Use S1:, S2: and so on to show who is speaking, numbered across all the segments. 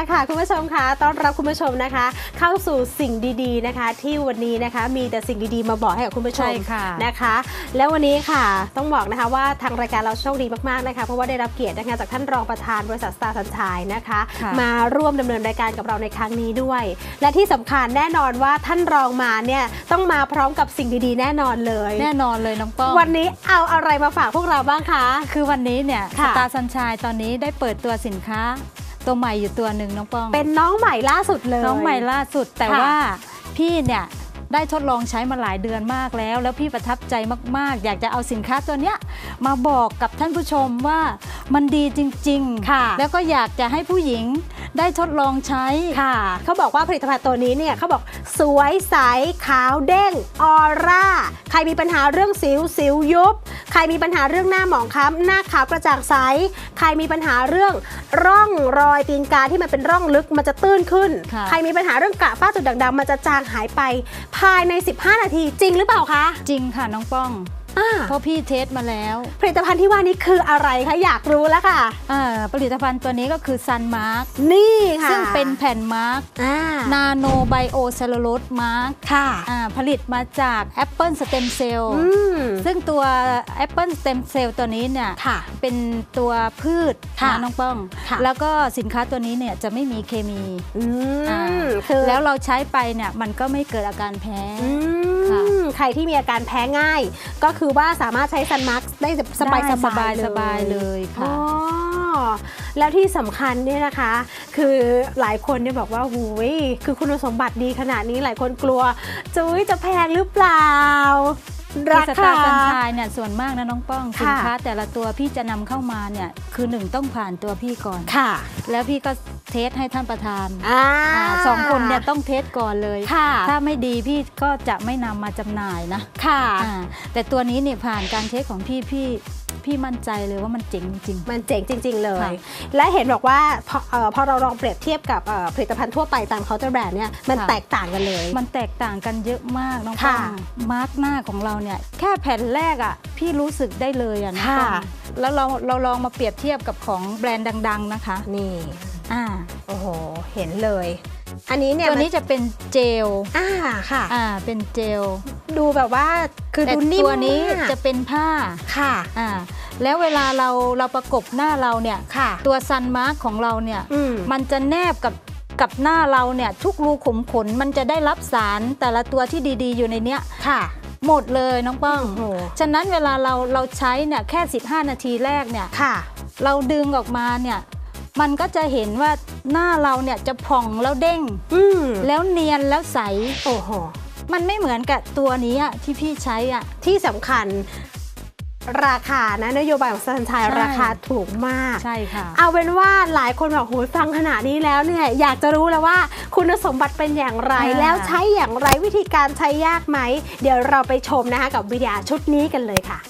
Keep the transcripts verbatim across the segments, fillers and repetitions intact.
S1: ละค่ะคุณผู้ชมคะต้อนรับคุณผู้ชมนะคะเข้าสู่สิ่งดีๆนะคะที่วันนี้นะคะมีแต่สิ่งดีๆมาบอกให้กับคุณผู้ชมนะคะแล้ววันนี้ค่ะต้องบอกนะคะว่าทางรายการเราโชคดีมากๆนะคะเพราะว่าได้รับเกียรตินะคะจากท่านรองประธานบริษัทสตาร์สัญชัยนะคะมาร่วมดำเนินรายการกับเราในครั้งนี้ด้วยและที่สำคัญแน่นอนว่าท่านรองมาเนี่ยต้องมาพร้อมกับสิ่งดีๆแน่นอนเลย
S2: แน่นอนเลยน้องป้อง
S1: วันนี้เอาอะไรมาฝากพวกเราบ้างคะ
S2: คือวันนี้เนี่ยสตาร์สัญชัยตอนนี้ได้เปิดตัวสินค้าตัวใหม่อยู่ตัวหนึ่งน้องป้อง
S1: เป็นน้องใหม่ล่าสุดเลย
S2: น้องใหม่ล่าสุดแต่ว่าพี่เนี่ยได้ทดลองใช้มาหลายเดือนมากแล้วแล้วพี่ประทับใจมากๆอยากจะเอาสินค้าตัวเนี้ยมาบอกกับท่านผู้ชมว่ามันดีจริงๆค่ะแล้วก็อยากจะให้ผู้หญิงได้ทดลองใช้
S1: ค่ะเขาบอกว่าผลิตภัณฑ์ตัวนี้เนี่ยเขาบอกสวยใสขาวเด้งออร่าใครมีปัญหาเรื่องสิวสิวยุบใครมีปัญหาเรื่องหน้าหมองคล้ำหน้าขาวกระจ่างใสใครมีปัญหาเรื่องร่องรอยตีนกาที่มันเป็นร่องลึกมันจะตื้นขึ้นใครมีปัญหาเรื่องกระฝ้าจุดด่างดำมันจะจางหายไปภายในสิบห้านาทีจริงหรือเปล่าคะ
S2: จริงค่ะน้องป้องเพราะพี่เทสมาแล้ว
S1: ผลิตภัณฑ์ที่ว่านี้คืออะไรคะอยากรู้แล้วค่ะ
S2: ผลิตภัณฑ์ตัวนี้ก็คือซันมาร์ก
S1: นี่ค่ะ
S2: ซึ่งเป็นแผ่นมาร์กนาโนไบโอเซลลูโลสมาร์ก
S1: ค่ะ
S2: ผลิตมาจากแอปเปิลสเต็มเซลล์ซึ่งตัวแอปเปิลสเต็มเซลล์ตัวนี้เนี่ยเป็นตัวพืชนะน้องป้องแล้วก็สินค้าตัวนี้เนี่ยจะไม่มีเคมีแล้วเราใช้ไปเนี่ยมันก็ไม่เกิดอาการแพ้
S1: ใครที่มีอาการแพ้ง่ายก็คือว่าสามารถใช้ซันมาร์กได้สบายสบาย
S2: สบายเลยค่ะ
S1: แล้วที่สำคัญเนี่ยนะคะคือหลายคนเนี่ยบอกว่าหูยคือคุณสมบัติดีขนาดนี้หลายคนกลัวจุ้ยจะแพงหรือเปล่า
S2: ราคาสตาร์สัญชัยเนี่ยส่วนมากนะน้องป้องสินค้าแต่ละตัวพี่จะนำเข้ามาเนี่ยคือหนึ่งต้องผ่านตัวพี่ก่อน
S1: ค่ะ
S2: แล้วพี่ก็เทสให้ท่านประธานสองคนเนี่ยต้องเทสก่อนเลยถ้าไม่ดีพี่ก็จะไม่นำมาจำหน่ายนะ
S1: ค่ะ
S2: แต่ตัวนี้เนี่ยผ่านการเทสของพี่พี่พี่มั่นใจเลยว่ามันเจ๋งจริง
S1: มันเจ๋งจริงๆเลยและเห็นบอกว่าพอพอเราลองเปรียบเทียบกับผลิตภัณฑ์ทั่วไปตามเคาน์เตอร์แบรนด์เนี่ยมันแตกต่างกันเลย
S2: มันแตกต่างกันเยอะมากน้องป้องมาร์กหน้าของเราเนี่ยแค่แผ่นแรกอ่ะพี่รู้สึกได้เลยอ่ะน้องป้องแล้วเราเราลองมาเปรียบเทียบกับของแบรนด์ดังๆนะคะ
S1: นี่อ่าโอ้โหเห็นเลยอันนี้เนี่ย
S2: ตัวนี้จะเป็นเจล
S1: อ่าค่ะ
S2: อ่าเป็นเจล
S1: ดูแบบว่าคือดูนิ่ม
S2: ตัวนี้จะเป็นผ้า
S1: ค่ะ
S2: อ่าแล้วเวลาเราเราประกบหน้าเราเนี่ยตัวซันมาร์กของเราเนี่ยมันจะแนบกับกับหน้าเราเนี่ยทุกรูขุมขนมันจะได้รับสารแต่ละตัวที่ดีๆอยู่ในเนี้ย
S1: ค่ะ
S2: หมดเลยน้องป้องฉะนั้นเวลาเราเราใช้เนี่ยแค่สิบห้านาทีแรกเนี่ยเราดึงออกมาเนี่ยมันก็จะเห็นว่าหน้าเราเนี่ยจะผ่องแล้วเด้งแล้วเนียนแล้วใส
S1: โอ้โห
S2: มันไม่เหมือนกับตัวนี้ที่พี่ใช้อ่ะ
S1: ที่สำคัญราคานะนโยบายของสัญชัยราคาถูกมาก
S2: ใช่ค่ะ
S1: เอาเป็นว่าหลายคนบอกโหยฟังขนาดนี้แล้วเนี่ยอยากจะรู้แล้วว่าคุณสมบัติเป็นอย่างไรแล้วใช้อย่างไรวิธีการใช้ยากไหมเดี๋ยวเราไปชมนะคะกับวิดีโอชุดนี้กันเลยค่ะ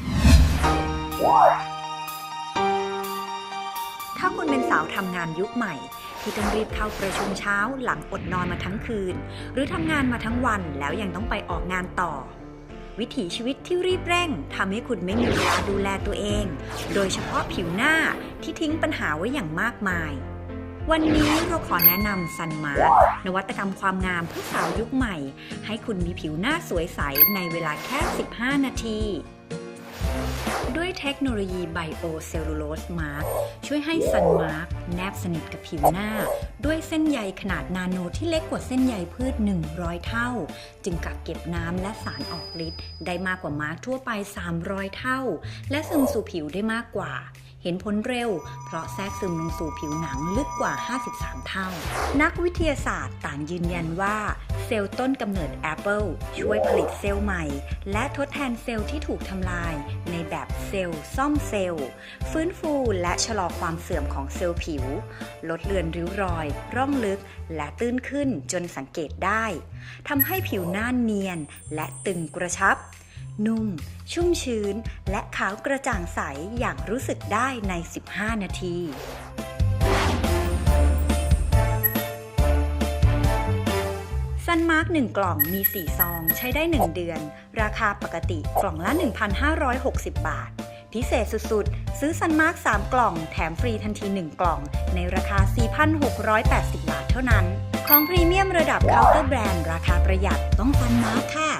S3: ถ้าคุณเป็นสาวทำงานยุคใหม่ที่ต้องรีบเข้าประชุมเช้าหลังอดนอนมาทั้งคืนหรือทำงานมาทั้งวันแล้วยังต้องไปออกงานต่อวิถีชีวิตที่รีบเร่งทำให้คุณไม่มีเวลาดูแลตัวเองโดยเฉพาะผิวหน้าที่ทิ้งปัญหาไว้อย่างมากมายวันนี้เราขอแนะนำซันมาร์กนวัตกรรมความงามเพื่อสาวยุคใหม่ให้คุณมีผิวหน้าสวยใสในเวลาแค่สิบห้านาทีด้วยเทคโนโลยีไบโอเซลลูโลสมาร์กช่วยให้ซันมาร์กแนบสนิทกับผิวหน้าด้วยเส้นใยขนาดนาโนที่เล็กกว่าเส้นใยพืชหนึ่งร้อยเท่าจึงกักเก็บน้ำและสารออกฤทธิ์ได้มากกว่ามาร์กทั่วไปสามร้อยเท่าและซึมสู่ผิวได้มากกว่าเห็นผลเร็วเพราะแทรกซึมลงสู่ผิวหนังลึกกว่าห้าสิบสามเท่านักวิทยาศาสตร์ต่างยืนยันว่าเซลล์ต้นกำเนิดแอปเปิลช่วยผลิตเซลล์ใหม่และทดแทนเซลล์ที่ถูกทำลายในแบบเซลล์ซ่อมเซลล์ฟื้นฟูและชะลอความเสื่อมของเซลล์ผิวลดเลือนริ้วรอยร่องลึกและตื้นขึ้นจนสังเกตได้ทำให้ผิวหน้าเนียนและตึงกระชับนุ่มชุ่มชื้นและขาวกระจ่างใสอย่างรู้สึกได้ในสิบห้านาทีซันมาร์กหนึ่งกล่องมีสี่ซองใช้ได้หนึ่งเดือนราคาปกติกล่องละ หนึ่งพันห้าร้อยหกสิบ บาทพิเศษสุดๆซื้อซันมาร์กสามกล่องแถมฟรีทันทีหนึ่งกล่องในราคา สี่พันพันหกร้อยแปดสิบ บาทเท่านั้นของพรีเมียมระดับเคาน์เตอร์แบรนด์ราคาประหยัดต้องซันมาร์คค่ะ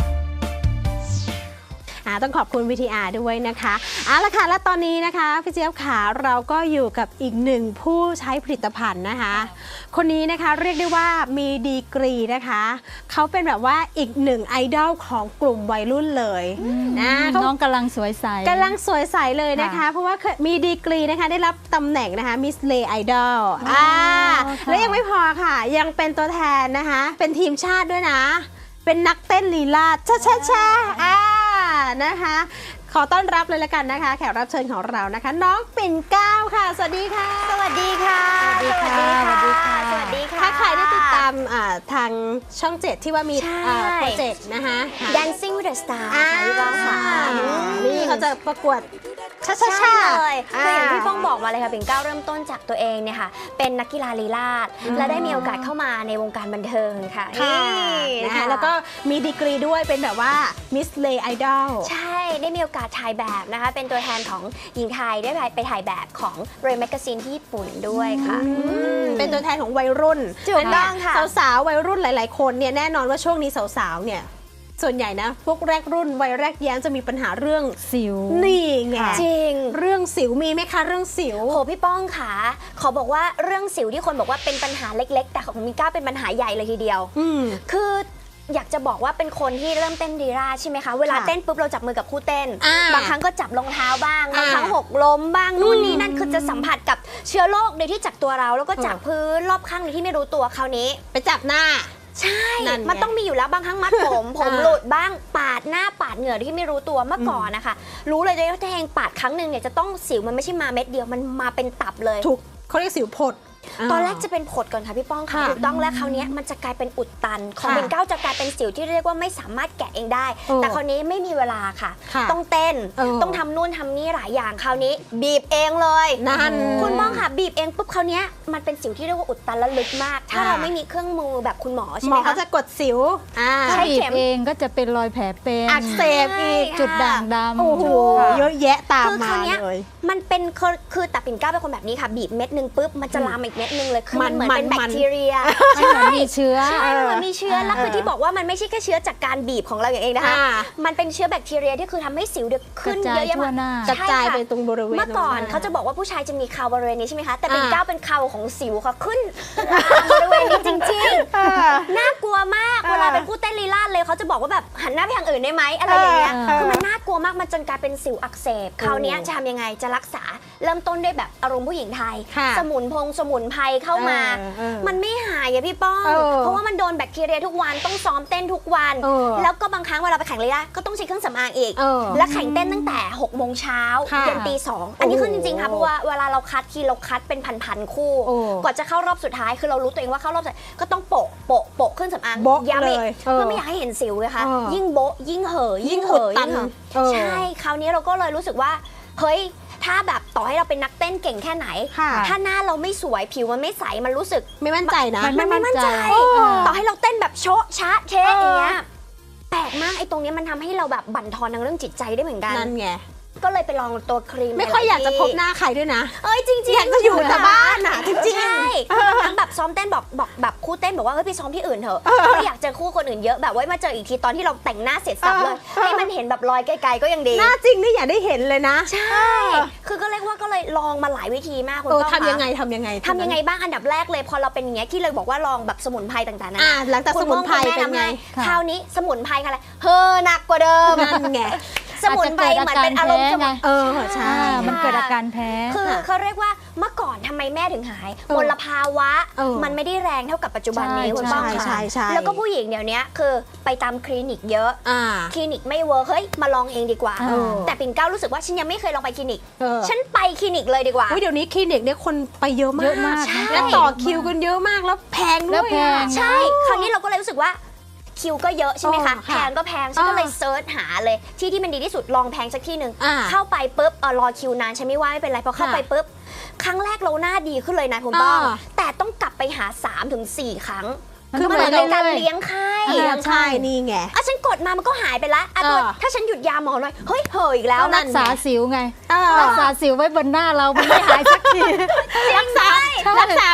S1: ต้องขอบคุณ วี ที อาร์ ด้วยนะคะเอาละค่ะและตอนนี้นะคะพี่เจี๊ยบขาเราก็อยู่กับอีกหนึ่งผู้ใช้ผลิตภัณฑ์นะคะคนนี้นะคะเรียกได้ว่ามีดีกรีนะคะเขาเป็นแบบว่าอีกหนึ่งไอดอลของกลุ่มวัยรุ่นเลยนะ
S2: น้องกำลังสวยใส
S1: กำลังสวยใสเลยนะคะเพราะว่ามีดีกรีนะคะได้รับตำแหน่งนะคะมิสเลไอดอลอ่าและยังไม่พอค่ะยังเป็นตัวแทนนะคะเป็นทีมชาติด้วยนะเป็นนักเต้นลีลาดชาชาชาอ่านะคะขอต้อนรับเลยละกันนะคะแขกรับเชิญของเรานะคะน้องปิ่นเกล้าค่ะสวัสดีค่ะ
S4: สวัสดีค่ะ
S2: สวัสดีค่ะสวัสดีค่ะ
S4: สวัสดีค่ะ
S1: ถ้าใครได้ติดตามทางช่องเจ็ดที่ว่ามีโปรเจกต์นะคะ
S4: Dancing with the Star ค่ะพี่ป้องค่ะ
S1: นี่เขาจะประกวด
S4: ช่ใช่เลยคืออย่างที่ป้องบอกมาเลยค่ะปิ่นเกล้าเริ่มต้นจากตัวเองเนี่ยค่ะเป็นนักกีฬาลีลาศและได้มีโอกาสเข้ามาในวงการบันเทิงค่ะ
S1: นะคะแล้วก็มีดีกรีด้วยเป็นแบบว่ามิสเลไอดอล
S4: ใช่ได้มีโอกาสถ่ายแบบนะคะเป็นตัวแทนของหญิงไทยได้ไปถ่ายแบบของเรย์แมกกาซีนที่ญี่ปุ่นด้วยค่ะ
S1: เป็นตัวแทนของวัยรุ่น
S4: ถูกต้องค่ะ
S1: สาวๆวัยรุ่นหลายๆคนเนี่ยแน่นอนว่าช่วงนี้สาวๆเนี่ยส่วนใหญ่นะพวกแรกรุ่นวัยแรกแย้มจะมีปัญหาเรื่อง
S2: สิว
S1: นี่ไง
S4: จริง
S1: เรื่องสิวมีไหมคะเรื่องสิว
S4: โหพี่ป้องค่ะขอบอกว่าเรื่องสิวที่คนบอกว่าเป็นปัญหาเล็กๆแต่ของมิก้าเป็นปัญหาใหญ่เลยทีเดียวคืออยากจะบอกว่าเป็นคนที่เริ่มเต้นดีราใช่ไหมคะเวลาเต้นปุ๊บเราจับมือกับคู่เต้นบางครั้งก็จับรองเท้าบ้างบางครั้งหกล้มบ้างนู่นนี่นั่นคือจะสัมผัสกับเชื้อโรคโดยที่จากตัวเราแล้วก็จากพื้นรอบข้างโดยที่ไม่รู้ตัวคราวนี้
S1: ไปจับหน้า
S4: ใช่มันต้องมีอยู่แล้วบางครั้งมัดผมผมหลุดบ้างปาดหน้าปาดเหงื่อที่ไม่รู้ตัวเมื่อก่อนนะคะรู้เลยว่าถ้าแทงปาดครั้งหนึ่งเนี่ยจะต้องสิวมันไม่ใช่มาเม็ดเดียวมันมาเป็นตับเลย
S1: ถูกเขาเรียกสิวผด
S4: ตอนแรกจะเป็นผดก่อนค่ะพี่ป้องค่ะถูกต้องแล้วคราวนี้มันจะกลายเป็นอุดตันของปิ่นเกล้าจะกลายเป็นสิวที่เรียกว่าไม่สามารถแกะเองได้แต่คราวนี้ไม่มีเวลาค่ะต้องเต้นต้องทำนู่นทำนี่หลายอย่างคราวนี้บีบเองเลย
S1: นั่น
S4: คุณป้องค่ะบีบเองปุ๊บคราวนี้มันเป็นสิวที่เรียกว่าอุดตันและลึกมากถ้าเราไม่มีเครื่องมือแบบคุณหมอใช่ไหมคะ
S1: เขาจะกดสิว
S2: ใช้เข็มเองก็จะเป็นรอยแผลเป็น
S1: อักเสบอีก
S2: จุดด่างดำ
S1: โอ้โหเยอะแยะตามมาเลย
S4: มันเป็นคือแต่ปิ่นเกล้าเป็นคนแบบนี้ค่ะบีบเม็ดนึงปุ๊บมันจะลามอีกเม็ดนึงเลยคือมันเหมือนเป็นแบคทีเรีย
S2: ใช่มีเชื้อ
S4: ใช่มันมีเชื้อแล้วคือที่บอกว่ามันไม่ใช่แค่เชื้อจากการบีบของเราอย่างเองนะคะมันเป็นเชื้อแบคทีเรียที่คือทำให้สิวเดือดขึ้นเยอะแยะมาก
S1: กระจายไปตรงบริเวณ
S4: เมื่อก่อนเขาจะบอกว่าผู้ชายจะมีเคราบริเวณนี้ใช่ไหมคะแต่ปิ่นเกล้าเป็นเคราของสิวค่ะขึ้นบริเวณนี้จริงๆน่ากลัวมากเวลาเป็นผู้เต้นลีลาศเลยเขาจะบอกว่าแบบหันหน้าไปทางอื่นได้ไหมอะไรอย่างเงี้ยคือมันน่ากลัวมากมันจนกลายเป็นสิวอักเสบคราวนี้จะทำยังไงจะรักษาเริ่มต้นด้วยแบบอารมณ์ผู้หญิงไทยสมุนพงสมุนไพรเข้ามามันไม่หายอะพี่ป้องเพราะว่ามันโดนแบคทีเรียทุกวันต้องซ้อมเต้นทุกวันแล้วก็บางครั้งเวลาไปแข่งลีลาก็ต้องใช้เครื่องสำอางอีกและแข่งเต้นตั้งแต่หกโมงเช้ายันตีสองอันนี้คือจริงๆค่ะเพราะว่าเวลาเราคัดทีเราคัดเป็นพันๆคู่กว่าจะเข้ารอบสุดท้ายคือเรารู้ตัวเองว่าเข้ารอบสุดก็ต้องโปะโปะโปะเครื่องสำอางย้ำอีกเพื่อไม่อยากให้เห็นสิวเลยค่ะยิ่งโบะยิ่งเห่อยิ่งเห่อยิ่งเห่อใช่คราวนี้เราก็เลยรู้สึกว่าเฮ้ยถ้าแบบต่อให้เราเป็นนักเต้นเก่งแค่ไหนถ้าหน้าเราไม่สวยผิวมันไม่ใสมันรู้สึก
S1: ไม่มั่นใจนะ
S4: มันไม่มั่นใจต่อให้เราเต้นแบบโชะชะเชะอย่างเงี้ยแปลกมากไอ้ตรงนี้มันทำให้เราแบบบั่นทอนทางเรื่องจิตใจได้เหมือนกัน
S1: นั่นไง
S4: ก็เลยไปลองตัวครีม
S1: ไม่ค่อยอยากจะพบหน้าใครด้วยนะ
S4: เอ้ยจริงๆ
S1: อยากจะอยู่แต่บ้านอ่ะจริงๆ
S4: ใช่ทั้งแบบซ้อมเต้นบอกบอกแบบคู่เต้นบอกว่าเฮ้ยพี่ซ้อมที่อื่นเถอะไม่อยากเจอคู่คนอื่นเยอะแบบว่ามาเจออีกทีตอนที่เราแต่งหน้าเสร็จสับเลยให้มันเห็นแบบรอยไกลๆก็ยังดี
S1: หน้าจริงนี่อยากได้เห็นเลยนะ
S4: ใช่คือก็เรียกว่าก็เลยลองมาหลายวิธีมากคุณ
S1: ป้าทำยังไงทำยังไง
S4: ทำยังไงบ้างอันดับแรกเลยพอเราเป็นอย่างเงี้ยที่เลยบอกว่าลองแบบสมุนไพรต่างๆนะ
S1: หลังจากสมุนไพรเป็นไง
S4: คราวนี้สมุนไพรค่ะอะไรเฮ้อหนักกว่าเดิม
S1: นั่นไง
S4: สมุนไพรเหมือนเป็นอารมณ์
S2: ไงเออใช่มันเกิดอาการแพ้
S4: คือเขาเรียกว่าเมื่อก่อนทำไมแม่ถึงหายมลภาวะมันไม่ได้แรงเท่ากับปัจจุบันนี้คุณป้องค่ะแล้วก็ผู้หญิงเดี๋ยวนี้คือไปตามคลินิกเยอะคลินิกไม่เวิร์คเฮ้ยมาลองเองดีกว่าแต่ปิ่นเกล้ารู้สึกว่าฉันยังไม่เคยลองไปคลินิกฉันไปคลินิกเลยดีกว่า
S1: เดี๋ยวนี้คลินิกเนี่ยคนไปเยอะมากแล้วต่อคิวกันเยอะมากแล้วแพงด้วย
S4: ใช่คราวนี้เราก็เลยรู้สึกว่าคิวก็เยอะใช่ไหมคะแพงก็แพงฉันก็เลยเซิร์ชหาเลยที่ที่มันดีที่สุดลองแพงสักที่หนึ่งเข้าไปปุ๊บเออรอคิวนานฉันไม่ว่าไม่เป็นไรพอเข้าไปปุ๊บครั้งแรกเราหน้าดีขึ้นเลยนะคุณป้องแต่ต้องกลับไปหา สามถึงสี่ ครั้งคือมันเป็นการเลี้ยงไข้
S1: เลี้ยงไข้นี่ไง
S4: อ่ะฉันกดมามันก็หายไปละอ่ะถ้าฉันหยุดยาหมอหน่อยเฮ้ยเห่ออีกแล้ว
S2: รักษาสิวไงรักษาสิวไว้บนหน้าเรามันไม่หายสักที
S1: รักษารักษาไม่ต้องรักษา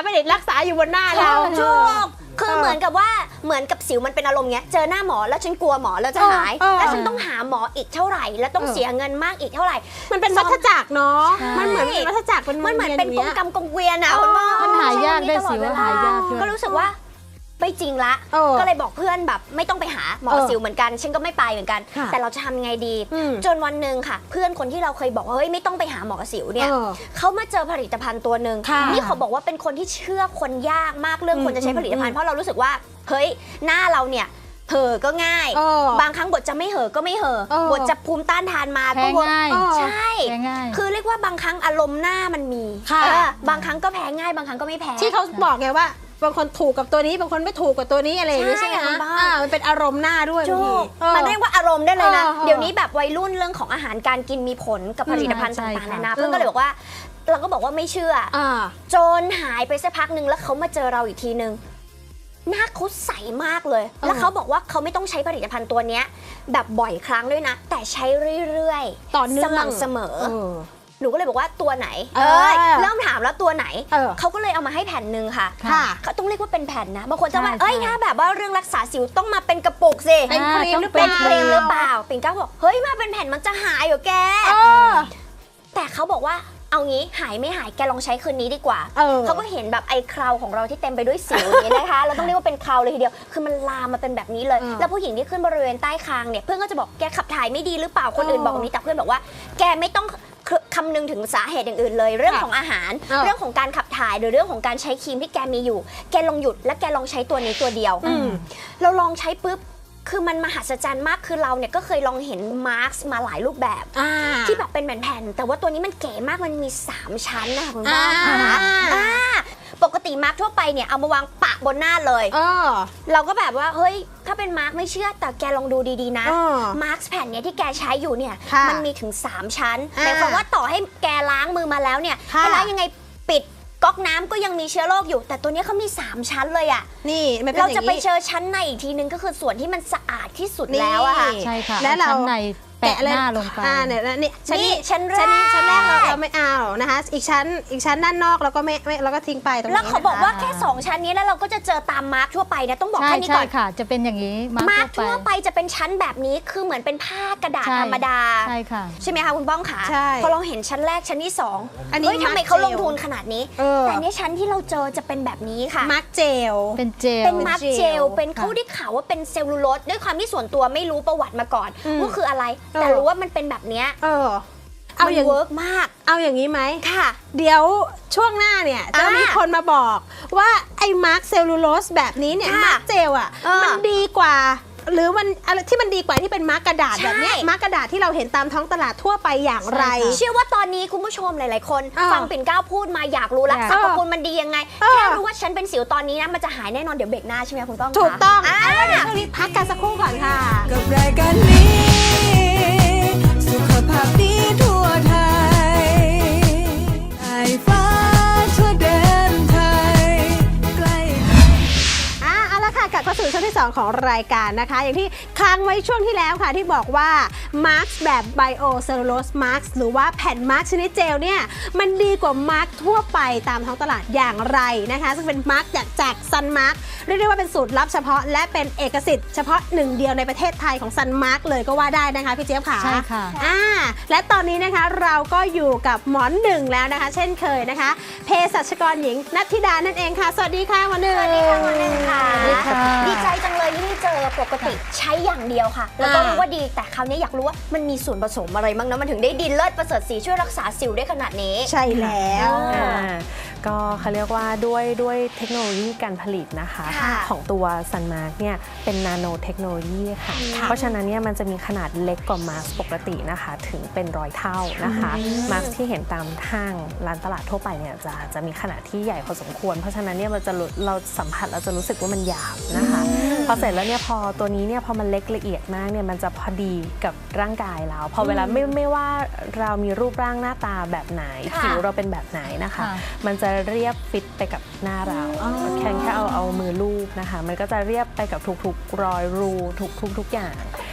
S1: ไม่ได้รักษาอยู่บนหน้าเรา
S4: ถูกคือเหมือนกับว่าเหมือนกับสิวมันเป็นอารมณ์เงี้ยเจอหน้าหมอแล้วฉันกลัวหมอแล้วจะหาย
S1: เออเออ
S4: แล้วฉันต้องหาหมออีกเท่าไหร่แล้วต้อง
S1: เออ
S4: เสียเงินมากอีกเท่าไหร่
S1: มันเป็นวัฏจักรเนาะ
S2: ใช่
S1: มันเหมือนเป็นวัฏจักรเป็น
S4: มันเหมือนเป็นกงกรรมกงเกวียนอะ
S1: เออ
S4: คุณพ่อ
S2: มันหายากด้วย
S4: ตลอ
S2: สิว
S4: เวล
S2: หายากด้วย
S4: ก็รู้สึกว่าไม่จริงละ
S1: เออ
S4: ก็เลยบอกเพื่อนแบบไม่ต้องไปหาหมอ
S1: เออ
S4: สิวเหมือนกันฉันก็ไม่ไปเหมือนกัน
S1: ค่ะ
S4: แต่เราจะทำยังไงดี
S1: อืม
S4: จนวันหนึ่งค่ะ เพื่อนคนที่เราเคยบอกว่าเฮ้ยไม่ต้องไปหาหมอสิวเนี่ย
S1: เออ
S4: เขามาเจอผลิตภัณฑ์ตัวหนึ่ง
S1: ค่ะ
S4: นี่เขาบอกว่าเป็นคนที่เชื่อคนยากมากเรื่องคนจะใช้ผลิตภัณ
S1: อื
S4: ฑ์
S1: ม
S4: เพราะเรารู้สึกว่าเฮ้ยหน้าเราเนี่ยเห่อก็ง่าย
S1: เออบ
S4: างครั้งบทจะไม่เห่อก็ไม่เห่อ
S1: เออ
S4: บทจะภูมิต้านทานมา
S2: แพ้
S4: ก็เวิร์ก
S2: ง่าย
S1: เออ
S4: ใช่
S2: แพ้ง่าย
S4: คือเรียกว่าบางครั้งอารมณ์หน้ามันมี
S1: ค่ะ
S4: เออบางครั้งก็แพ้ง่ายบางครั้งก็ไม่แพ้
S1: ที่เขาบอกไงว่าบางคนถูกกับตัวนี้บางคนไม่ถูกกับตัวนี้อะไรอย่างนี้
S4: ใช่
S1: ใช่ไหม
S4: ค่ะ
S1: คะ
S4: บ้า
S1: อ่ามันเป็นอารมณ์หน้าด้วย
S4: ถู
S1: บางที
S4: ก
S1: เออ
S4: มันเรียกว่าอารมณ์ได้เลยนะ
S1: เออเออ
S4: เดี๋ยวนี้แบบวัยรุ่นเรื่องของอาหารการกินมีผลกับผลิตภัณฑ์
S2: ใช่
S4: ต่างๆ
S2: ค่ะ
S4: นานาเพื่อนก็เลยบอกว่าเราก็บอกว่าไม่เชื่ออ
S1: อ่า
S4: จนหายไปสักพักหนึ่งแล้วเขามาเจอเราอีกทีนึงหน้าเขาใสมากเลย
S1: เออ
S4: แล้วเขาบอกว่าเขาไม่ต้องใช้ผลิตภัณฑ์ตัวเนี้ยแบบบ่อยครั้งด้วยนะ แต่ใช้เรื่อยๆ
S1: ต่อเนื่อง
S4: สม่ำเสมอ
S1: เออ
S4: หนูก็เลยบอกว่าตัวไหน
S1: เออ
S4: เอ้ยเริ่มถามแล้วตัวไหน
S1: เออ
S4: เขาก็เลยเอามาให้แผ่นหนึ่งค่ะ
S1: ค่ะ
S4: เขาต้องเรียกว่าเป็นแผ่นนะบางคนจะว่า
S2: ใช่
S4: เอ้ย
S2: ใช่
S4: ถ้าแบบว่าเรื่องรักษาสิวต้องมาเป็นกระปุกสิ
S1: เป็นครีมหรือเป
S4: เป็
S1: ล่า
S4: นครีมหรือเปล่าปิ่นเกล้าบอกเฮ้ยมาเป็นแผ่นมันจะหายเหรอแก
S1: เออ
S4: แต่เขาบอกว่าเอางี้หายไม่หายแกลองใช้คืนนี้ดีกว่า
S1: เออ
S4: เขาก็เห็นแบบไอ้คราวของเราที่เต็มไปด้วยสิวอย่างนี้นะคะ เราต้องเรียกว่าเป็นคราวเลยทีเดียวคือมันลามมาเป็นแบบนี้เลย
S1: เออ
S4: แล้วผู้หญิงที่ขึ้นบริเวณใต้คางเนี่ยเพื่อนก็จะบอกแกขับถ่ายไม่ดีหรือเปล่าคนอื่น
S1: เออ
S4: บอกแบบนี้แต่เพื่อนบอกว่าแกไม่ต้องคำนึงถึงสาเหตุอย่างอื่นเลย เรื่อง
S1: ค่ะ
S4: ของอาหาร
S1: เออ
S4: เรื่องของการขับถ่ายหรือเรื่องของการใช้ครีมที่แกมีอยู่ แกลองหยุดและแกลองใช้ตัวนี้ตัวเดียว
S1: อืม
S4: เราลองใช้ปุ๊บคือมันมหัศจรรย์มากคือเราเนี่ยก็เคยลองเห็นมาร์กมาหลายรูปแบบ
S1: อ่า
S4: ที่แบบเป็นแผ่นๆแต่ว่าตัวนี้มันเก๋มากมันมีสามชั้นนะคะคุณป้า
S1: อ่า
S4: คะอ่าปกติมาร์กทั่วไปเนี่ยเอามาวางปะบนหน้าเลย
S1: เออ
S4: เราก็แบบว่าเฮ้ยถ้าเป็นมาร์กไม่เชื่อแต่แกลองดูดีๆนะ
S1: เออ
S4: มาร์กแผ่นเนี้ยที่แกใช้อยู่เนี่ย
S1: ค่ะ
S4: มันมีถึงสามชั้น
S1: อ่า
S4: หมายความว่าต่อให้แกล้างมือมาแล้วเนี่ย
S1: ค่ะ
S4: ถ้าล้างยังไงปิดก๊อกน้ำก็ยังมีเชื้อโรคอยู่ แต่ตัวเนี้ยเขามีสามชั้นเลยอะ
S1: นี่มันเป็น
S4: เรา
S1: อย่
S4: จะ
S1: ง
S4: ไป
S1: นี้
S4: เจอชั้นในอีกทีนึงก็คือส่วนที่มันสะอาดที่สุด
S1: นี่
S4: แล้วอะค่ะ
S2: ใช่ค่ะ
S1: และเรา
S2: อชั้นในแปะหน้าลงไป
S1: อ่าเนี่ยแล้วนี่ชั้น
S4: นี่
S1: นี้
S4: ชั้นแรก
S1: ชั้นนี้ชั้นแรกเราเราไม่เอานะคะ อีกชั้นอีกชั้นด้านนอกเราก็ไม่ไม่เราก็ทิ้งไปตรงนี้
S4: แล้วเขาบอกว่า
S1: นะคะ
S4: แค่ สอง ชั้นนี้แล้วเราก็จะเจอตามมาร์กทั่วไปนะต้องบอก
S2: ใช่
S4: แค่นี้
S2: ใช่
S4: ก่อน
S2: ค่ะ จะเป็นอย่างนี้มา
S4: มา
S2: ร์
S4: ร์
S2: ก
S4: กทั่วไปจะเป็นชั้นแบบนี้คือเหมือนเป็นผ้ากระดาษ
S2: ใช่
S4: ธรรมดา
S2: ใช่ค่ะ
S4: ใช่ไหมคะคุณป้องขา
S1: ใช่
S4: พอเราเห็นชั้นแรกชั้นที่สอง
S1: อันนี้
S4: เฮ้ยทำไม
S1: มาร์ค
S4: เขาลง
S1: เจล
S4: ทุนขนาดนี้
S1: เออ
S4: แต่เนี้ชั้นที่เราเจอจะเป็นแบบนี้ค่ะ
S1: มาร์กเจล
S2: เป็นเจล
S4: เป็นมาร์กเจล เป็น
S2: ค่ะ
S4: เขาได้ข่าวว่าเป็นเซลลูโลสด้วยความที่ส่วนตัวไม่รู้ประวัติมาก่อน
S1: อืม
S4: ว่าคืออะไร
S1: เออ
S4: แต่รู้ว่ามันเป็นแบบเนี้ย
S1: เออ เอา
S4: มัน
S1: อย่าง
S4: เวิร์กมาก
S1: เอาอย่างนี้ไหม
S4: ค่ะ
S1: เดี๋ยวช่วงหน้าเนี่ยจะ
S4: อ่ามี
S1: มีคนมาบอกว่าไอ้มาร์กเซลลูโลสแบบนี้เนี่ย
S4: ค่ะ
S1: มาร์กเจลอ่ะ
S4: เออ
S1: มันดีกว่า หรือมันอะไรที่มันดีกว่าที่เป็นมาร์กกระดาษ
S4: ใช่
S1: แบบเนี้ยมาร์กกระดาษที่เราเห็นตามท้องตลาดทั่วไปอย่างไร
S2: ใช่ค่ะ
S4: เชื่อว่าตอนนี้คุณผู้ชมหลาย ๆ คน
S1: เออ
S4: ฟังปิ่นเกล้าพูดมาอยากรู้แล้ว
S2: อยาก
S4: สรรพคุณมันดียังไง
S1: เออ
S4: แค่รู้ว่าฉันเป็นสิวตอนนี้นะมันจะหายแน่นอนเดี๋ยวเบรกหน้าใช่ไหมคุณป้องคะ
S1: ถูกต้อง
S4: อ่า
S1: เอาล่ะเดี๋ยวช่วงนี้พักกันสักครู่ก่อนค่ะ
S5: กับรายการนี้ สุขภาพดีทั่วไทยไอฟ้าทั่วแดนไทยใกล้
S1: อ่ะเอาละค่ะกลับเข้าสู่ช่วงที่ สอง ของรายการนะคะ อย่างที่ค้างไว้ช่วงที่แล้วค่ะที่บอกว่ามาร์กแบบไบโอเซลลูโลสมาร์กหรือว่าแผ่นมาร์กชนิดเจลเนี่ยมันดีกว่ามาร์กทั่วไปตามท้องตลาดอย่างไรนะคะ ซึ่งเป็นมาร์กจากจากซันมาร์กเรียกได้ว่าเป็นสูตรลับเฉพาะและเป็นเอกสิทธิ์เฉพาะหนึ่งเดียวในประเทศไทยของซันมาร์กเลยก็ว่าได้นะคะพี่เจี๊ยบค่ะ
S2: ใช่ค่ะ
S1: อ่าและตอนนี้นะคะเราก็อยู่กับหมอหนึ่งแล้วนะคะ เช่นเคยนะคะเภสัชกรหญิงนัทธิดานั่นเองค่ะสวัสดีค่ะหมอหนึ่ง
S4: สวัสดีค่ะหมอหนึ่งค่ะ
S2: สวัสดีค่ะ
S4: ดีใจจังเลยที่ได้เจอปกติใช้อย่างเดียวค่ะ แล้วก็
S1: อ่า
S4: รู้ว่าดีแต่คราวนี้อยากรู้ว่ามันมีส่วนผสมอะไรบ้างนะมันถึงได้ดีเลิศประเสริฐสีช่วยรักษาสิวได้ขนาดนี้
S1: ใช่แล้ว
S4: อ่า
S6: อ่าก็เขาเรียกว่าด้วยด้วยเทคโนโลยีการผลิตนะคะ
S4: ค่ะ
S6: ของตัวซันมาร์กเนี่ยเป็นนาโนเทคโนโลยีค่ะ เพราะฉะนั้นเนี่ยมันจะมีขนาดเล็กกว่ามาร์กปกตินะคะถึงเป็นร้อยเท่านะคะมาร์กที่เห็นตามห้างร้านตลาดทั่วไปเนี่ยจะจะมีขนาดที่ใหญ่พอสมควร เพราะฉะนั้นเนี่ยมันจะรู้เราสัมผัสเราจะรู้สึกว่ามันหยาบนะคะพอเสร็จแล้วเนี่ยพอตัวนี้เนี่ยพอมันเล็กละเอียดมากเนี่ยมันจะพอดีกับร่างกายเราพอเวลาไม่ไม่ว่าเรามีรูปร่างหน้าตาแบบไหน
S4: ค่ะ
S6: ผิวเราเป็นแบบไหนนะคะ
S2: ค่ะ
S6: มันจะเรียบฟิตไปกับหน้าเราแค่แค่เอาเอามือลูบนะคะ มันก็จะเรียบไปกับทุกๆรอยรูทุกๆทุกอย่าง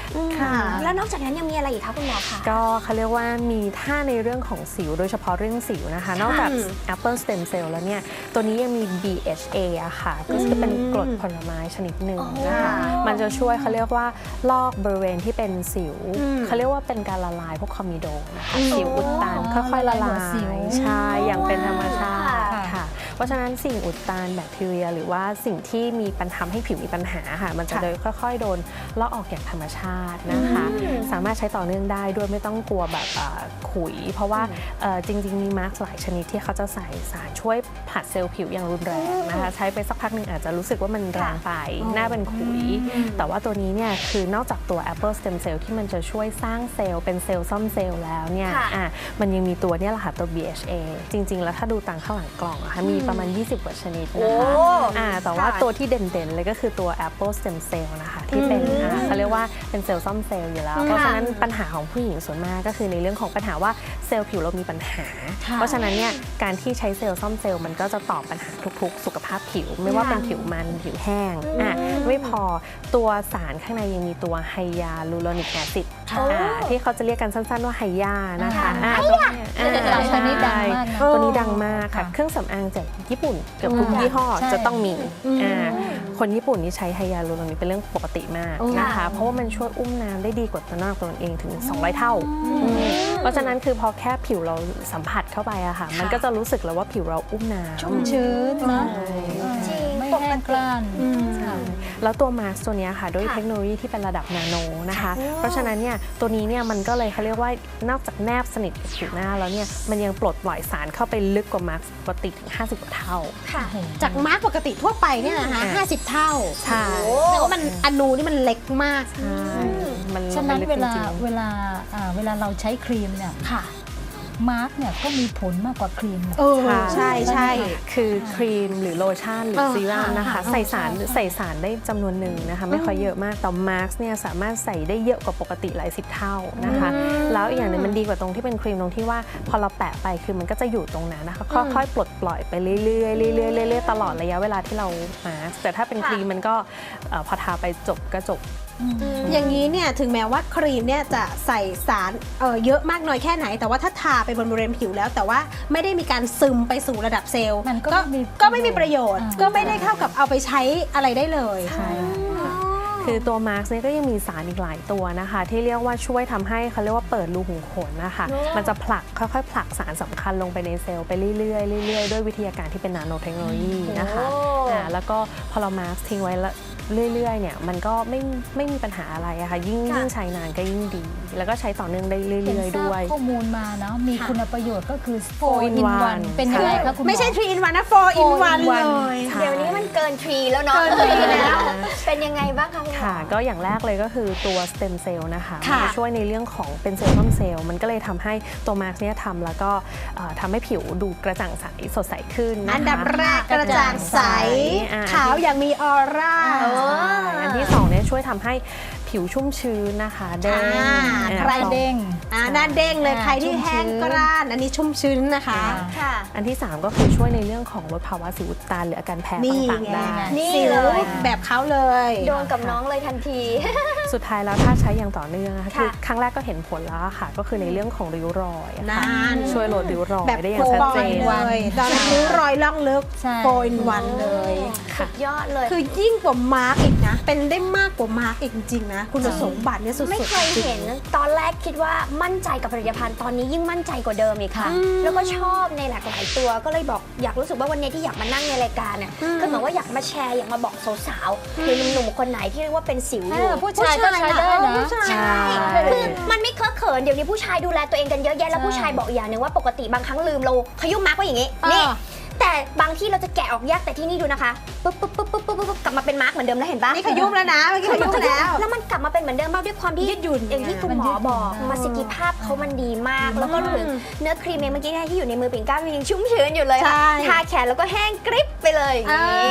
S1: ค่ะ
S4: แล้วนอกจากนั้นยังมีอะไรอีกคะคุณหมอคะ
S6: ก็เขาเรียกว่ามีท่าในเรื่องของสิวโดยเฉพาะเรื่องสิวนะคะ นอกจาก Apple Stem Cell แล้วเนี่ยตัวนี้ยังมี บี เอช เอ อะค่ะก็คือเป็นกรดผลไม้ชนิดหนึ่งนะคะมันจะช่วยเขาเรียกว่าลอกบริเวณที่เป็นสิวเขาเรียกว่าเป็นการละลายพวกคอมมิโดนะคะสิวอุดตันค่อยๆละลายใช่อย่างเป็นธรรมชาติค่ะเพราะฉะนั้นสิ่งอุดตันแบคทีเรียหรือว่าสิ่งที่มีปัญหาให้ผิวมีปัญหาค่ะมันจะโดยค่อยๆโดนลอกออกอย่างธรรมชาตินะคะสามารถใช้ต่อเนื่องได้ด้วยไม่ต้องกลัวแบบขุยเพราะว่าจริงๆมีมาร์กหลายชนิดที่เขาจะใส่สารช่วยผลัดเซลล์ผิวอย่างรุนแรงนะคะใช้ไปสักพักหนึ่งอาจจะรู้สึกว่ามันแรงไปหน้าเป็นขุยแต่ว่าตัวนี้เนี่ยคือนอกจากตัว Apple Stem Cell ที่มันจะช่วยสร้างเซลล์เป็นเซลล์ซ่อมเซลล์แล้วเนี่ยอ่ะมันยังมีตัวเนี่ยแหละค่ะตัว บี เอช เอ จริงๆแล้วถ้าดูตามข้างหลังกล่องอะค่ะมีประมาณยี่สิบกว่าชนิดนะคะอ่าแต่ว่าตัวที่เด่นๆเลยก็คือตัว Apple Stem Cell นะคะที่เป็นอ่าเขาเรียกว่าเป็นเซลล์ซ่อมเซลล์อยู่แล้วเพราะฉะนั้นปัญหาของผู้หญิงส่วนมากก็คือในเรื่องของปัญหาว่าเซลล์ผิวเรามีปัญหาเพราะฉะนั้นเนี่ยการที่ใช้เซลล์ซ่อมเซลล์มันก็จะตอบปัญหาทุกๆสุขภาพผิวไม่ว่าเป็นผิวมันผิวแห้งอ่ะไม่พอตัวสารข้างในยังมีตัวไฮยาลูโรนิกแอซิดที่เขาจะเรียกกันสั้นๆว่าไฮยานะคะตัวนี้ดังมากตัวนี้ดังมากค่ะเครื่องสำอางจากญี่ปุ่นเกือบทุกยี่ห้อจะต้องมีคนญี่ปุ่นนี่ใช้ไฮยาลูโรนิกเป็นเรื่องปกติมากนะคะเพราะว่ามันช่วยอุ้มน้ำได้ดีกว่าตัวนอกตัวเองถึงสองร้อยเท่าเพราะฉะนั้นคือพอแค่ผิวเราสัมผัสเข้าไปอะค่ะมันก็จะรู้สึกแล้วว่าผิวเราอุ้มน้ำ
S2: ชุ่มชื้นนะไม่แห้งกร้าน
S6: แล้วตัวมาสก์ตัวนี้ค่ะด้วยเทคโนโลยีที่เป็นระดับนาโนนะคะเพราะฉะนั้นเนี่ยตัวนี้เนี่ยมันก็เลยเขาเรียกว่านอกจากแนบสนิทกับผิวหน้าแล้วเนี่ยมันยังปลดปล่อยสารเข้าไปลึกกว่ามาสก์ปกติถึงห้าสิบกว่าเท่า
S1: จากมาสก์ปกติทั่วไปเนี่ยนะคะห้าสิบเท่า
S6: ใช่
S1: แต่ว่ามันอนูนี่มันเล็กมาก
S2: ฉะนั้นเวลาเวลาเวลาเราใช้ครีมเนี่ยมาร์กเนี่ยก็มีผลมากกว่าครีม
S1: ใช่ใช่
S6: คือครีมหรือโลชั่นหรือซีรั่มนะคะใส่สารใส่สารได้จำนวนหนึ่งนะคะไม่ค่อยเยอะมากแต่มาร์กเนี่ยสามารถใส่ได้เยอะกว่าปกติหลายสิบเท่านะคะแล้วอีกอย่างหนึ่งมันดีกว่าตรงที่เป็นครีมตรงที่ว่าพอเราแปะไปคือมันก็จะอยู่ตรงนั้นนะคะค่อยๆปลดปล่อยไปเรื่อยๆเรื่อยๆเรื่อยๆตลอดระยะเวลาที่เรามาร์กแต่ถ้าเป็นครีมมันก็พอทาไปจบก็จบ
S1: อย่างนี้เนี่ยถึงแม้ว่าครีมเนี่ยจะใส่สารเ, เยอะมากน้อยแค่ไหนแต่ว่าถ้าทาไปบนบริเวณผิวแล้วแต่ว่าไม่ได้มีการซึมไปสู่ระดับเซลล์
S2: มันก็
S1: ก็ไม่มีประโยชน์ก็ไม่ได้เข้ากับเอาไปใช้อะไรได้เลย
S6: ใช่คือตัวมาร์กเนี่ยก็ยังมีสารอีกหลายตัวนะคะที่เรียกว่าช่วยทำให้เขาเรียกว่าเปิดรูขุมขนนะคะมันจะผลักค่อยๆผลักสารสำคัญลงไปในเซลล์ไปเรื่อยๆเรื่อยๆด้วยวิทยาการที่เป็นนาโนเทคโนโลยีนะคะแล้วก็พอเรามาร์กทิ้งไว้เรื่อยๆเนี่ยมันก็ไม่ไม่มีปัญหาอะไรอะค่ะยิ่งยิ่งใช้นานก็ยิ่งดีแล้วก็ใช้ต่อเนื่องได้เรื่อยๆด้วย
S2: ข้อมูลมาเนาะมีคุณประโยชน์ก็คือ โฟร์ อิน วัน เป็นยังไงคะคุณหมอ
S1: ไม่ใช่ ทรี อิน วัน นะ โฟร์ อิน วัน เลย
S4: เดี๋ยวนี้มันเกินทรีแล้วเนาะเกินทรีแล้วเป็นยังไงบ้างคะคุณหมอ
S6: ค่ะก็อย่างแรกเลยก็คือตัวสเต็มเซลล์นะคะมันช่วยในเรื่องของเป็นเซลล์ซ่อมเซลล์มันก็เลยทำให้ตัวมาร์กเนี่ยทำแล้วก็ทำให้ผิวดูกระจ่างใสสดใสขึ้น
S1: อันดับแรกกระจ่างใสขาวอย่างมีออร่า
S6: อันที่สองเนี่ยช่วยทำให้ผิวชุ่มชื้นนะคะเด้ง
S2: ใครเด้ง
S1: หน้าเด้งเลยใครที่แห้งกร้านอันนี้ชุ่มชื้นนะคะ
S6: อันที่สามก็คือช่วยในเรื่องของลดภาวะสิวอุดตันหรืออาการแพ้ต่างๆได้
S1: นี่เลยแบบเขาเลย
S4: โดนกับน้องเลยทันที
S6: สุดท้ายแล้วถ้าใช้อย่างต่อเนื่องคือครั้งแรกก็เห็นผลแล้วค่ะก็คือในเรื่องของริ้วรอยช่วยลดริ้วรอยได้อย่างชัดเจน
S1: เลยตอนริ้วรอยล่องลึกโฟร์ อิน วันเลย
S4: สุดยอดเลย
S1: คือยิ่งกว่ามาร์กอีกนะเป็นได้มากกว่ามาร์กอีกจริงๆนะคุณสมบัติเนี่ยสุดๆ
S4: ไม่เคยเห็นตอนแรกคิดว่ามั่นใจกับผลิตภัณฑ์ตอนนี้ยิ่งมั่นใจกว่าเดิมอีกค่ะแล้วก็ชอบในหลากหลายตัวก็เลยบอกอยากรู้สึกว่าวันนี้ที่อยากมานั่งในรายการเนี่ยคือเหมือนว่าอยากมาแชร์อยากมาบอกสาวๆหรือหนุ่มๆคนไหนที่เรียกว่าเป็นสิวอยู่
S2: ผู้ชายก็ใช้ได้นะ
S4: ใช่คือมันไม่เคอะเขินเดี๋ยวนี้ผู้ชายดูแลตัวเองกันเยอะแยะแล้วผู้ชายบอกอย่างหนึ่งว่าปกติบางครั้งลืมเราขยุ่มมาร์กไว้อย่างนี้นี่แต่บางที่เราจะแกะออกยากแต่ที่นี่ดูนะคะปุ๊บปุ๊บปุ๊บปุ๊บปุ๊บกลับมาเป็นมาร์กเหมือนเดิมแล้วเห็นปะ
S1: นี่ขยุ่มแล้วนะเมื่อกี้ขยุ่มแล้ว
S4: แล้วมันกลับมาเป็นเหมือนเดิมมากด้วยความที่ยืดหยุ่นอย่างที่คุณหมอบอกประสิทธิภาพเขามันดีมากแล้วก็ถึงเนื้อครีมเมื่อกี้ที่อยู่ในมือปิ่นก้าวยังชุ่มชื้นอยู่เลยค่ะทาแขนแล้วก็แห้งกริบไปเลยนี่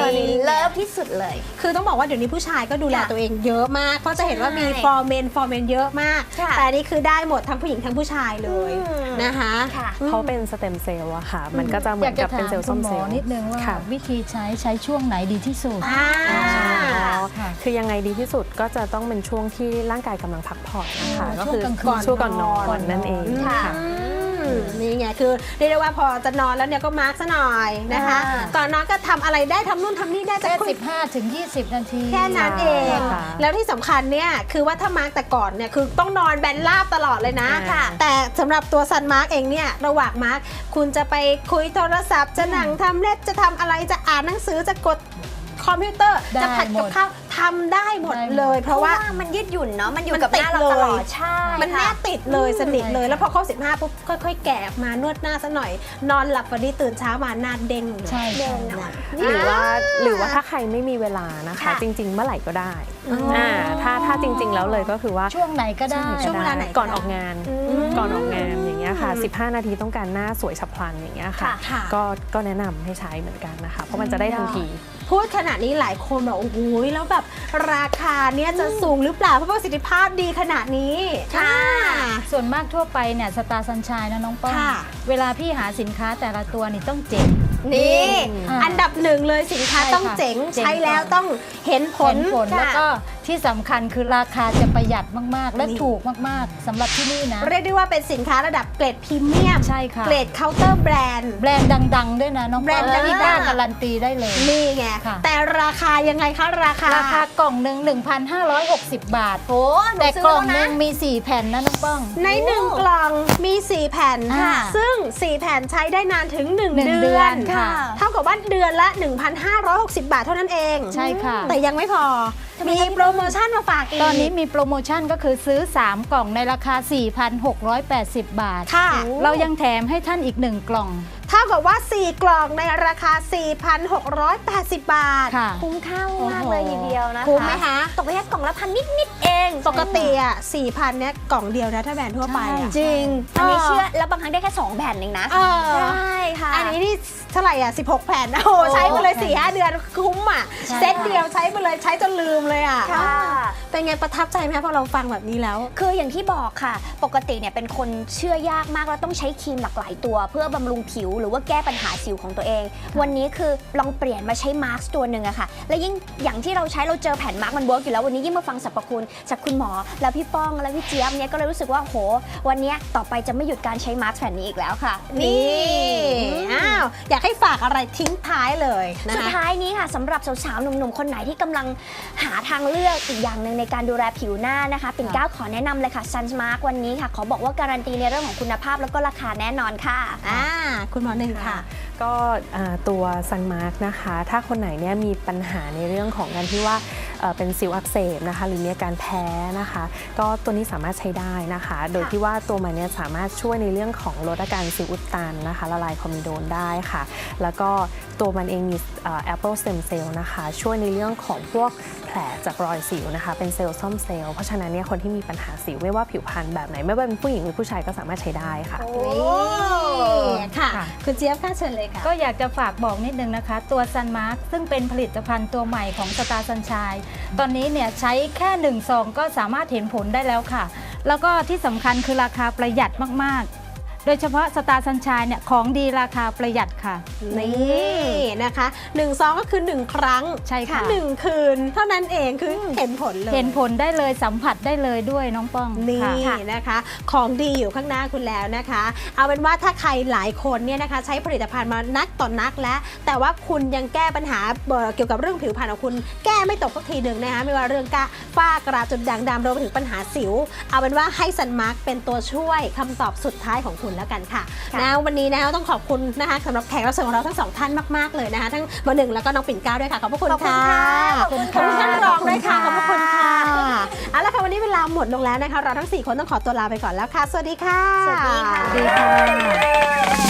S4: ตัวนี้เลิฟที่สุดเลย
S1: คือต้องบอกว่าเดี๋ยวนี้ผู้ชายก็ดูแล
S4: ค่ะ
S1: ตัวเองเยอะมาก เพราะจะเห็นว่ามี
S4: ใช่
S1: ฟอร์เมนฟอร์เมนเยอะมาก
S4: ค่ะ
S1: แต่อันนี่คือได้หมดทั้งผู้หญิงทั้งผู้ชายเลย
S4: อืม
S1: นะคะ
S4: ค่ะ
S6: เขาเป็นสเต็มเซลล์อะค่ะ มันก็จะเหมื
S2: อ
S6: อย
S2: าก
S6: น
S2: จะ
S6: กับเป็น
S2: ถาม
S6: เซลล์
S2: คุ
S6: ส้
S2: ณ
S6: ม
S2: หม
S6: เซล
S2: อ
S6: ล์
S2: นิดนึงว่า
S6: ค่ะ
S2: วิธีใช้ใช้ช่วงไหนดีที่สุด
S1: อ่า
S2: ค่ะ
S6: คือยังไงดีที่สุดก็จะต้องเป็นช่วงที่ร่างกายกำลังพักผ่อนนะคะ
S2: อ๋อ
S6: ก็คือ
S2: ช่วงกลางคืน
S6: ช่วงก่อนนอ
S2: ก่อน
S6: น
S2: นอน
S6: นั่นเอง
S1: ค่ะ
S6: ค่ะ
S1: อืมนี่ไงคือเรียกได้ว่าพอจะนอนแล้วเนี่ยก็มาร์กซะหน่อยนะคะ
S4: อ่า
S1: ก่อนนอนก็ทำอะไรได้ทำนู่นทำนี่ได้จะ
S2: แค่
S1: คุย
S2: สิบห้าถึงยี่สิบนาที
S1: แค่นั้นเอง
S6: ค่ะ
S1: แล้วที่สำคัญเนี่ยคือว่าถ้ามาร์กแต่ก่อนเนี่ยคือต้องนอนแบนราบตลอดเลยนะ
S6: ค่ะ
S1: แต่สำหรับตัวซันมาร์กเองเนี่ยระหว่างมาร์กคุณจะไปคุยโทรศัพท์จะหนังทำเล็บจะทำอะไรจะอ่านหนังสือจะกดคอมพิวเตอร์
S2: ได้
S1: จะผัด
S2: หม
S1: กับ
S2: ด
S1: ข้าวทำได้หมด
S2: ได้หมด
S1: เลย เพ
S4: เพ
S1: ราะ
S4: ราะ
S1: ว่า
S4: ว่ามันยืดหยุ่นเนาะมันอยู่
S1: มัน
S4: กับหน้าเรา
S1: ติด
S4: ต
S1: เลย
S4: ลอดใช่
S1: มันแน
S4: ค่ะ
S1: บติดเลยสนิทเลย
S2: ใช่ค่ะ
S1: แล้วพอครบสิบห้าปุ๊บค่อยๆ แกะออกมานวดหน้าซะหน่อย นอนหลับวันนี้ตื่นเช้ามาหน้าเด้งเลย
S2: ใช่
S4: เดิ
S2: ใช่
S4: นนอน
S6: หรือว่าหรือว่าถ้าใครไม่มีเวลานะคะ
S4: ค่ะ
S6: จริง ๆ เมื่อไหร่ก็ได้
S1: อ๋ออ่
S6: อ่าถ้าถ้าจริง ๆ แล้วเลยก็คือว่า
S2: ช่วงไหนก็ได้
S1: ช่วงเวลาไหน
S6: ก่อนออกงาน
S4: อืม
S6: ก่อนออกงานอย่างเงี้ยค่ะ
S1: อืม
S6: สิบห้านาทีต้องการหน้าสวยฉับพลันอย่างเงี้ยค่ะ
S4: ค่ะ
S1: ค่ะ
S6: ก็ก็แนะนำให้ใช้เหมือนกันนะคะ เพราะมันจะได้ทันที
S1: พูดขนาดนี้หลายคนแบบโอ้โหแล้วแบบราคาเนี่ยจะสูงหรือเปล่าเพราะประสิทธิภาพดีขนาดนี้
S4: ค่ะ
S1: อ่า
S2: ส่วนมากทั่วไปเนี่ยสตาร์ซันชายนะน้องป้อง
S1: ค่ะ
S2: เวลาพี่หาสินค้าแต่ละตัวนี่ต้องเจ๋ง
S1: นี่
S2: อ่า
S1: อันดับหนึ่งเลยสินค้า
S2: ใช่
S1: ต้อง
S2: ค่ะ
S1: เจ๋ง
S2: เจ๋ง
S1: ใช้แล้ว
S2: ก่อน
S1: ต้องเห็นผ
S2: ผ
S1: ล
S2: ลผลแล้วก็ที่สำคัญคือราคาจะประหยัดมากๆ และ
S1: นี่
S2: ถูกมากๆสำหรับที่นี่นะ
S1: เรียกได้ว่าเป็นสินค้าระดับเกรดพรีเมียม
S2: ใช่ค่ะ
S1: เกรดเคาน์เตอร์แบรนด์
S2: แบรนด์ดัง ๆ ด้วยนะน้อง
S1: แบรนด์
S2: ป้อง
S1: ดังๆ
S2: ที่กล้าการันตีได้เลย
S1: นี่ไง
S2: ค่ะ
S1: แต่ราคายังไงคะราคา
S2: ราคากล่องหนึ่ง หนึ่งพันห้าร้อยหกสิบ บาท
S4: โอ้หนู
S2: แต่
S4: ซื้อก
S2: ล่อง
S4: แล้ว
S2: หนึ
S4: นะ
S2: งมี สี่ แผ่นนะน้องป้อง
S1: ในหนึ่งกล่องมีสี่แผ่น
S2: ค่ะ
S1: ซึ่งสี่แผ่นใช้ได้นานถึงหนึ่ง
S2: หนึ่ง
S1: เดือน
S2: เดือนค่ะ
S1: เท่ากับว่าเดือนละ หนึ่งพันห้าร้อยหกสิบ บาทเท่านั้นเอง
S2: ใช่ค่ะ
S1: แต่ยังไม่พอ มีโปรโมชั่นมาฝากอีก
S2: ตอนนี้มีโปรโมชั่นก็คือซื้อ สาม กล่องในราคา สี่พันหกร้อยแปดสิบ บาท
S1: ค่ะ
S2: เรายังแถมให้ท่านอีกหนึ่งกล่อง
S1: เท่ากับว่า สี่ กล่องในราคา สี่พันหกร้อยแปดสิบ บาท
S2: ค่ะ
S4: คุ้มค่ามากเลยทีเดียวนะคะ
S1: คุ้มไหมคะ
S4: ตกไปแค่กล่องละพันนิดๆเอง
S1: ปกติอ่ะ สี่พัน เนี่ยกล่องเดียวนะถ้าแบรนด์ทั่วไปอ่ะ
S4: จริง อันนี้
S1: เออ
S4: เชื่อแล้วบางครั้งได้แค่สองแผ่นเองนะ
S1: เออ
S4: ใช่ค่ะ
S1: อันนี้นี่เท่าไหร่อ่ะ สิบหก แผ่น โอ้โหใช้ไปเลย สี่ห้า เดือนคุ้มอ่ะ
S2: ใช่
S1: เซตเดียวใช้ไปเลยใช้จนลืมเลยอ่ะ
S4: ค่ะ
S1: เป็นไงประทับใจไหมคะพอเราฟังแบบนี้แล้ว
S4: คืออย่างที่บอกค่ะ ปกติเนี่ยเป็นคนเชื่อยากมากแล้วต้องใช้ครีมหลากหลายตัว เพื่อบำรุงผิวหรือว่าแก้ปัญหาสิวของตัวเอง วันนี้คือลองเปลี่ยนมาใช้มาร์กตัวหนึ่งอะค่ะ และยิ่งอย่างที่เราใช้เราเจอแผ่นมาร์กมันเวิร์กอยู่แล้ววันนี้ยิ่งมาฟังสรรพคุณจากคุณหมอ แล้วพี่ป้องและพี่เจี๊ยบเนี่ยก็เลยรู้สึกว่าโหวันนี้ต่อไปจะไม่หยุดการใช้มาร์กแผ่นนี้อีกแล้วค่ะ
S1: นี่อ้าวอยากให้ฝากอะไรทิ้งท้ายเลยนะ
S4: สุด
S1: คะ
S4: ท้ายนี้ค่ะสำหรับสาวๆหนุ่มๆคนไหนที่กำลังหาทางเลือกอีกอย่างหนึ่งในการดูแลผิวหน้านะคะปิ่นเกล้าขอแนะนำเลยค่ะ Sunsmark วันนี้ค่ะขอบอกว่าการันตีในเรื่องของคุณภาพแล้วก็ราคาแน่นอนค่ะ
S1: อ่าคุณหมอหนึ่งค่ะ
S6: ก็อ่าตัว Sunmark นะคะ ถ้าคนไหนเนี่ยมีปัญหาในเรื่องของการที่ว่าเอ่อเป็นสิวอักเสบนะคะ หรือมีอาการแพ้นะคะ ก็ตัวนี้สามารถใช้ได้นะคะ โดยที่ว่าตัวมันเนี่ยสามารถช่วยในเรื่องของลดอาการสิวอุดตันนะคะละลายคอมิโดนได้ค่ะ แล้วก็ตัวมันเองมีเอ่อ Apple Stem Cell นะคะ ช่วยในเรื่องของพวกแผลจากรอยสิวนะคะ เป็นเซลล์ซ่อมเซลล์เพราะฉะนั้นเนี่ยคนที่มีปัญหาสิวไม่ว่าผิวพรรณแบบไหนไม่ว่าเป็นผู้หญิงหรือผู้ชายก็สามารถใช้ได้ค่ะ
S1: นี่ค่ะ
S2: ค่ะ
S1: คุณเจี๊ยบค่ะเชิญเลยค่ะ
S2: ก็อยากจะฝากบอกนิดนึงนะคะ ตัว Sunmark ซึ่งเป็นผลิตภัณฑ์ตัวใหม่ของ Star Sunshine ตอนนี้เนี่ยใช้แค่หนึ่งซองก็สามารถเห็นผลได้แล้วค่ะ แล้วก็ที่สำคัญคือราคาประหยัดมากๆ โดยเฉพาะ Star Sunshine เนี่ยของดีราคาประหยัดค่ะ
S1: นี่นะคะหนึ่งซองก็คือหนึ่งครั้ง
S2: ใช่ค่ะ
S1: หนึ่งคืน เท่านั้นเองคือเห็นผลเลย
S2: เห็นผลได้เลยสัมผัสได้เลยด้วยน้องป้อง
S1: นี่
S2: ค่ะ
S1: นะคะ ของดีอยู่ข้างหน้าคุณแล้วนะคะ เอาเป็นว่าถ้าใครหลายคนเนี่ยนะคะ ใช้ผลิตภัณฑ์มานักต่อนนักแล้ว แต่ว่าคุณยังแก้ปัญหาเอ่อเกี่ยวกับเรื่องผิวพรรณของคุณ แก้ไม่ตกสักทีหนึ่งนะคะไม่ว่าเรื่องกระฝ้ากระจุดด่างดำรวมไปถึงปัญหาสิว เอาเป็นว่าให้ซันมาร์กเป็นตัวช่วยคำตอบสุดท้ายของคุณแล้วกันค่ะ
S4: ค่ะ
S1: นะวันนี้นะคะต้องขอบคุณนะคะสำหรับแขกรับเชิญของเราทั้งสองท่านมากๆเลยนะคะทั้งหมอหนึ่งแล้วก็น้องปิ่นเกล้าด้วยค่ะขอบพระคุณ
S4: ขอบคุณ
S1: ค่ะ
S4: ค่ะ
S2: ขอบคุณ
S1: ขอบคุณ
S2: ค่ะ
S1: ท่านรองด้วยค่ะขอบพระคุณค่ะ
S2: ขอบคุณค่ะ
S1: เอาละค่ะวันนี้เวลาหมดลงแล้วนะคะเราทั้งสี่คนต้องขอตัวลาไปก่อนแล้วค่ะ สวัสดีค่ะ
S4: สวัสดีค่ะ
S2: ดีค่ะ